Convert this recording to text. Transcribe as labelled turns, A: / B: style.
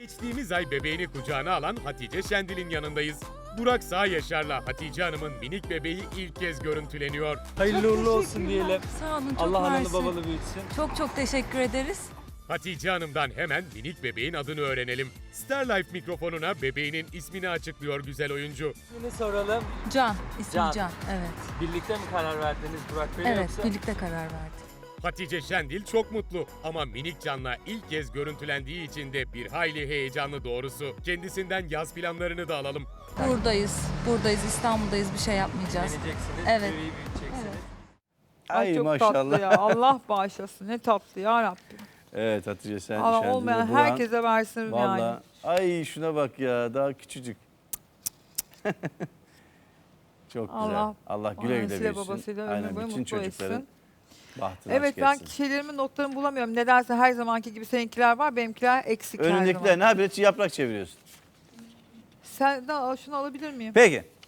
A: Geçtiğimiz ay bebeğini kucağına alan Hatice Şendil'in yanındayız. Burak Sağ Yaşar'la Hatice Hanım'ın minik bebeği ilk kez görüntüleniyor.
B: Hayırlı uğurlu olsun diyelim.
C: Sağ olun, çok
B: Allah analı
C: mersi.
B: babalı büyütsün.
C: Çok teşekkür ederiz.
A: Hatice Hanım'dan hemen minik bebeğin adını öğrenelim. Starlife mikrofonuna bebeğinin ismini açıklıyor güzel oyuncu.
B: Yine soralım.
C: Can, ismi
B: Can.
C: Can. Evet.
B: Birlikte mi karar verdiniz Burak Bey
C: Evet,
B: yoksa?
C: birlikte karar verdik.
A: Hatice Şendil çok mutlu ama minik Can'la ilk kez görüntülendiği için de bir hayli heyecanlı doğrusu. Kendisinden yaz planlarını da alalım.
C: Buradayız, İstanbul'dayız, bir şey yapmayacağız.
B: Evleneceksiniz,
C: Evet.
B: bebeği büyüteceksiniz.
D: Ay
E: çok
D: maşallah.
E: tatlı ya. Allah bağışlasın. Ne tatlı ya Rabbim.
D: Evet Hatice sen
E: Allah
D: Şendil'e
E: olmayan
D: Burak'ın-
E: herkese versin yani.
D: Vallahi ay şuna bak ya daha küçücük. Çok güzel. Allah güle güle
E: Annesiyle
D: büyüsün.
E: babasıyla ömür
D: Aynen
E: boyu
D: bütün
E: mutlu
D: çocukların
E: etsin.
D: bahtını
E: Evet
D: açık
E: ben
D: etsin.
E: şeylerimin notlarımı bulamıyorum. Nedense her zamanki gibi seninkiler var. Benimkiler eksik her
D: Önündekiler
E: zaman.
D: ne yapıyorsun? Yaprak çeviriyorsun.
E: Sen de şunu alabilir miyim?
D: Peki.